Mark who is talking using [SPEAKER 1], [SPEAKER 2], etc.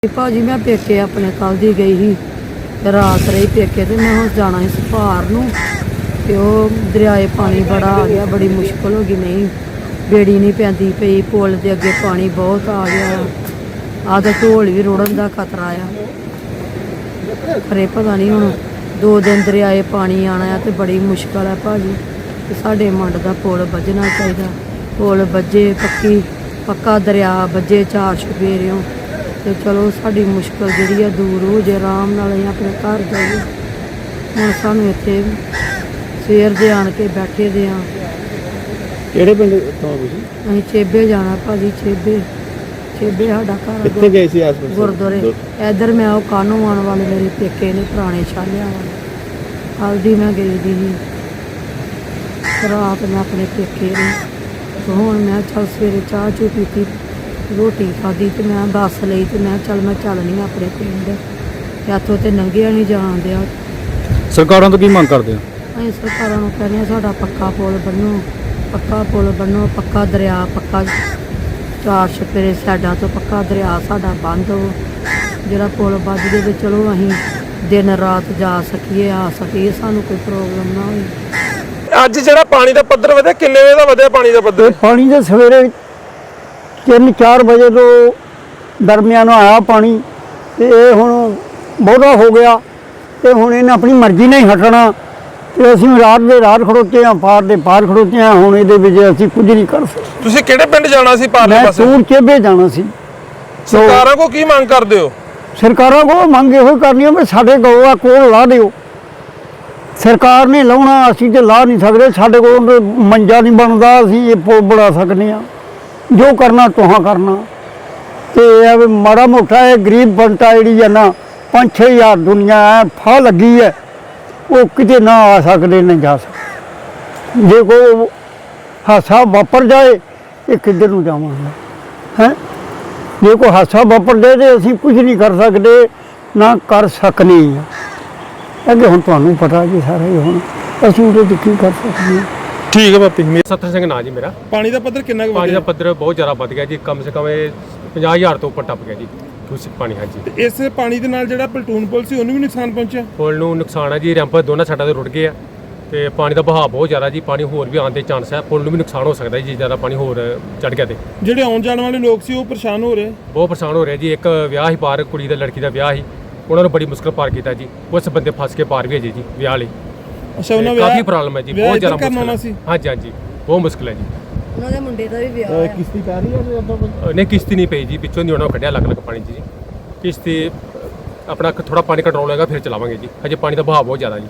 [SPEAKER 1] भाजी मैं पेके अपने कल दी गई ही रात रही पेके ते मैं हुण जाना ही सुभार नूं ते ओह दरियाए पानी बड़ा आ गया, बड़ी मुश्किल हो गई। नहीं बेड़ी नहीं पैंदी पई, पुल दे अगे पानी बहुत आ गया। आधा ढोल भी रुड़न का खतरा आ, पर पता नहीं हुण 2 दिन दरियाए पानी आना है तो बड़ी मुश्किल है भाजी। साडे मंड दा पुल बजना चाहिए, पुल बजे पक्का दरिया बजे 4 चुफेरियों तो चलो साड़ी मुश्किल जी दूर हो जाए, आराम नाल असीं अपने घर जाइए। हुण सानूं इत्थे सवेर दे आण के बैठे दे आ।
[SPEAKER 2] किहड़े पिंड तो तुसीं?
[SPEAKER 1] असीं चेबे जाना भाजी, चेबे साडा घर।
[SPEAKER 2] कित्थे गए सी आस-पास?
[SPEAKER 1] गुरुद्वारे इधर मैं वो कानों आने वाले मेरे पेके ने पुराने छालिया वाले, हल्दी मैं गई दी ही रात मैं अपने पेके रही। तो हुण मैं चल सवेरे चाह चू पीती, रोटी खाधी तो मैं बस लई तो मैं चलनी अपने पिंड, इत्थों तो नंगिया नहीं जान दिया।
[SPEAKER 2] सरकारों तो की मांग करते हो?
[SPEAKER 1] ਅਸੀਂ ਸਰਕਾਰਾਂ ਨੂੰ ਕਹਿੰਦੇ ਹਾਂ ਸਾਡਾ ਪੱਕਾ ਪੁਲ ਬਣੋ, ਪੱਕਾ ਦਰਿਆ, ਪੱਕਾ 4 ਛਪੇਰੇ ਸਾਈਡਾਂ ਤੋਂ ਪੱਕਾ ਦਰਿਆ ਸਾਡਾ ਬੰਦ ਹੋ। ਜਿਹੜਾ ਪੁਲ ਵੱਜ ਜੇ ਤੇ ਚਲੋ ਅਸੀਂ ਦਿਨ ਰਾਤ ਜਾ ਸਕੀਏ, ਆ ਸਕੀਏ, ਸਾਨੂੰ ਕੋਈ ਪ੍ਰੋਬਲਮ ਨਾ ਹੋਵੇ।
[SPEAKER 3] ਅੱਜ ਜਿਹੜਾ ਪਾਣੀ ਦਾ ਪੱਧਰ ਵਧਿਆ, ਕਿੰਨੇ ਵਜੇ ਦਾ ਵਧਿਆ ਪਾਣੀ ਦਾ ਪੱਧਰ?
[SPEAKER 4] पानी तो सवेरे 3-4 बजे तो दरमियान आया पानी, तो ये हुण बहुता हो गया। तो हुण इन्हें अपनी मर्जी नहीं हटना, तो असीं रात दे रात खड़ोते हैं, पार दे पार खड़ोते हैं। हुण इहदे विच असीं कुछ नहीं कर सकते।
[SPEAKER 3] ਤੁਸੀਂ ਕਿਹੜੇ ਪਿੰਡ ਜਾਣਾ ਸੀ ਪਾਰਲੇ
[SPEAKER 4] मैं
[SPEAKER 3] ਪਾਸੇ?
[SPEAKER 4] सूर चेबे जाना सी।
[SPEAKER 3] ਸਰਕਾਰਾਂ ਕੋ ਕੀ ਮੰਗ ਕਰਦੇ ਹੋ?
[SPEAKER 4] सरकारों को मंग इहो करनी है भी साडे गौआ कोल ला दिओ। सरकार ने लाउणा, असीं ते ला नहीं सकदे। साडे कोल मंजा नहीं बनदा, असीं ये पुल बना सकने आ। जो करना तुहां करना। तो यह भी माड़ा मोटा है गरीब बनता जी है ना, 5-6 हज़ार दुनिया है फा लगी है, वो किते ना आ सकते न जा सकते। जे कोई हादसा वापर जाए ये किधर नूं जावांगे हैं? जे कोई हादसा वापर जाए तो असीं कुछ नहीं कर सकते, ना कर सकने हैं। अगे हुण तुहानूं पता जी सारा ही, हुण असीं उहदे च की कर सकते हैं।
[SPEAKER 3] ਠੀਕ ਹੈ ਬਾਪੀ।
[SPEAKER 5] ਸੱਤਰ ਸਿੰਘ ਨਾਂ ਜੀ ਮੇਰਾ।
[SPEAKER 3] ਪਾਣੀ ਦਾ ਪੱਧਰ ਕਿੰਨਾ ਕੁ
[SPEAKER 5] ਪਾਣੀ ਦਾ
[SPEAKER 3] ਵਧਿਆ?
[SPEAKER 5] ਪੱਧਰ ਬਹੁਤ ਜ਼ਿਆਦਾ ਵੱਧ ਗਿਆ ਜੀ, ਕਮ ਸੇ ਕਮ ਇਹ 50,000 ਤੋਂ ਉੱਪਰ ਟੱਪ ਗਿਆ ਜੀ ਦੂਸ਼ਿਤ ਪਾਣੀ। ਹਾਂਜੀ,
[SPEAKER 3] ਇਸ ਪਾਣੀ ਦੇ ਨਾਲ ਜਿਹੜਾ ਪਲਟੂਨ ਪੁਲ ਸੀ ਉਹਨੂੰ ਵੀ ਨੁਕਸਾਨ ਪਹੁੰਚਿਆ?
[SPEAKER 5] ਪੁਲ ਨੂੰ ਨੁਕਸਾਨ ਹੈ ਜੀ, ਰੈਂਪ ਦੋਨਾਂ ਸਾਈਡਾਂ ਤੇ ਰੁੜ ਗਏ ਆ ਤੇ ਪਾਣੀ ਦਾ ਵਹਾਅ ਬਹੁਤ ਜ਼ਿਆਦਾ ਜੀ, ਪਾਣੀ ਹੋਰ ਵੀ ਆਉਣ ਦੇ ਚਾਂਸ ਹੈ। ਪੁਲ ਨੂੰ ਵੀ ਨੁਕਸਾਨ ਹੋ ਸਕਦਾ ਜੀ, ਜ਼ਿਆਦਾ ਪਾਣੀ ਹੋਰ ਚੜ ਗਿਆ ਤੇ
[SPEAKER 3] ਜਿਹੜੇ ਆਉਣ ਜਾਣ ਵਾਲੇ ਲੋਕ ਸੀ ਉਹ ਪਰੇਸ਼ਾਨ ਹੋ ਰਹੇ?
[SPEAKER 5] ਬਹੁਤ ਪਰੇਸ਼ਾਨ ਹੋ ਰਿਹਾ ਜੀ। ਇੱਕ ਵਿਆਹ ਹੀ ਪਾਰ, ਕੁੜੀ ਦਾ ਲੜਕੀ ਦਾ ਵਿਆਹ ਸੀ, ਉਹਨਾਂ ਨੂੰ ਬੜੀ ਮੁਸ਼ਕਲ ਪਾਰ ਕੀਤਾ ਜੀ। ਉਸ ਬੰਦੇ ਫਸ ਕੇ ਪਾਰ ਵੀ ਹੈ ਜੀ ਵਿਆਹ ਲਈ।
[SPEAKER 3] ਅੱਛਾ, ਉਹਨਾਂ
[SPEAKER 5] ਕਾਫੀ ਪ੍ਰੋਬਲਮ ਹੈ ਜੀ, ਬਹੁਤ ਜ਼ਿਆਦਾ
[SPEAKER 3] ਕਰਨਾ
[SPEAKER 5] ਮੁਸ਼ਕਲ
[SPEAKER 3] ਸੀ।
[SPEAKER 5] ਹਾਂਜੀ ਹਾਂਜੀ, ਬਹੁਤ ਮੁਸ਼ਕਲ ਹੈ ਜੀ।
[SPEAKER 1] ਉਹਨਾਂ ਦੇ ਮੁੰਡੇ ਦਾ ਵੀ ਵਿਆਹ ਹੈ।
[SPEAKER 2] किस्ती पै रही है तो
[SPEAKER 5] ਨਹੀਂ ਕਿਸ਼ਤੀ ਨਹੀਂ ਪਈ ਜੀ, ਵਿੱਚੋਂ ਦੀ ਉਹਨਾਂ ਨੂੰ ਕੱਢਿਆ ਅਲੱਗ ਪਾਣੀ 'ਚ ਜੀ। ਕਿਸ਼ਤੀ ਆਪਣਾ ਥੋੜਾ ਪਾਣੀ ਕੰਟਰੋਲ ਹੋਏਗਾ ਫਿਰ ਚਲਾਵਾਂਗੇ ਜੀ, ਹਜੇ ਪਾਣੀ ਦਾ ਵਹਾਅ ਬਹੁਤ ਜ਼ਿਆਦਾ ਜੀ।